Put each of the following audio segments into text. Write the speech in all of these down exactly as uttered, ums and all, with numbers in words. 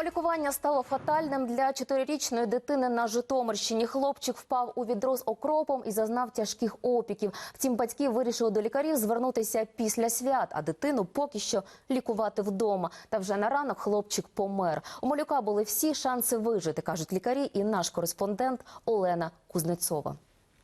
Самолікування стало фатальним для чотирирічної дитини на Житомирщині. Хлопчик впав у відро з окропом і зазнав тяжких опіків. Втім, батьки вирішили до лікарів звернутися після свят, а дитину поки що лікувати вдома. Та вже на ранок хлопчик помер. У малюка були всі шанси вижити, кажуть лікарі, і наш кореспондент Олена Кузнецова.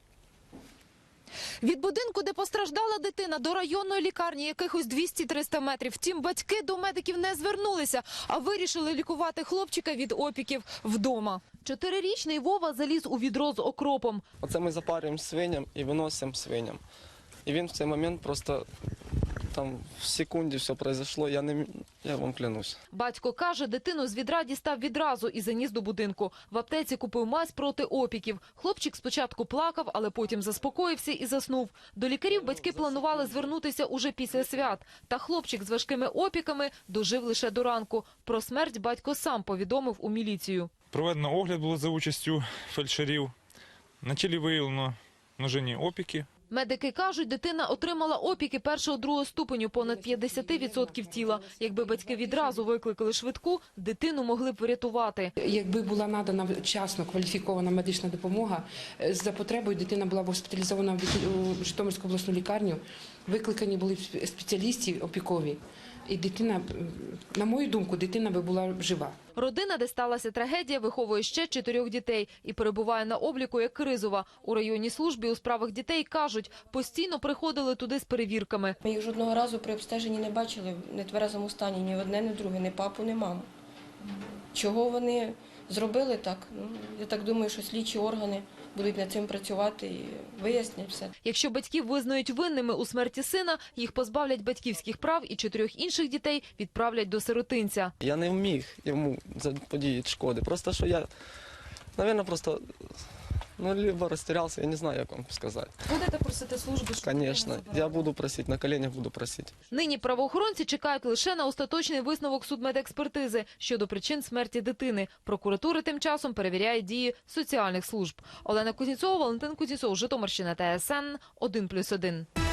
Від будинку, де постраждала дитина, до районної лікарні якихось двісті-триста метрів. Втім, батьки до медиків не звернулися, а вирішили лікувати хлопчика від опіків вдома. Чотирирічний Вова заліз у відро з окропом. Оце ми запарюємо свиням і виносимо свиням. І він в цей момент просто, там в секунді все пройшло, я, не, я вам клянусь. Батько каже, дитину з відра дістав відразу і заніс до будинку. В аптеці купив мазь проти опіків. Хлопчик спочатку плакав, але потім заспокоївся і заснув. До лікарів батьки планували звернутися уже після свят. Та хлопчик з важкими опіками дожив лише до ранку. Про смерть батько сам повідомив у міліцію. Проведено огляд було за участю фельдшерів. На тілі виявлено множинні опіки. Медики кажуть, дитина отримала опіки першого-другого ступеню, понад п'ятдесят відсотків тіла. Якби батьки відразу викликали швидку, дитину могли б врятувати. Якби була надана вчасно кваліфікована медична допомога, за потребою дитина була б госпіталізована в Житомирську обласну лікарню, викликані були спеціалісти опікові. І дитина, на мою думку, дитина би була жива. Родина, де сталася трагедія, виховує ще чотирьох дітей і перебуває на обліку як кризова. У районній службі у справах дітей кажуть, постійно приходили туди з перевірками. Ми їх жодного разу при обстеженні не бачили в нетверезому стані ні одне, ні друге, ні папу, ні маму. Чого вони зробили так? Ну, я так думаю, що слідчі органи будуть над цим працювати і вияснять все. Якщо батьків визнають винними у смерті сина, їх позбавлять батьківських прав і чотирьох інших дітей відправлять до сиротинця. Я не вміг йому заподіяти шкоди. Просто що я, мабуть, просто, ну, либо розтірявся, я не знаю, як вам сказати. Будете просити служби? Звісно, я буду просити, на коленях буду просити. Нині правоохоронці чекають лише на остаточний висновок судмедекспертизи щодо причин смерті дитини. Прокуратура тим часом перевіряє дії соціальних служб. Олена Кузнєцова, Валентин Кузнєцов, Житомирщина, Т С Н, один плюс один.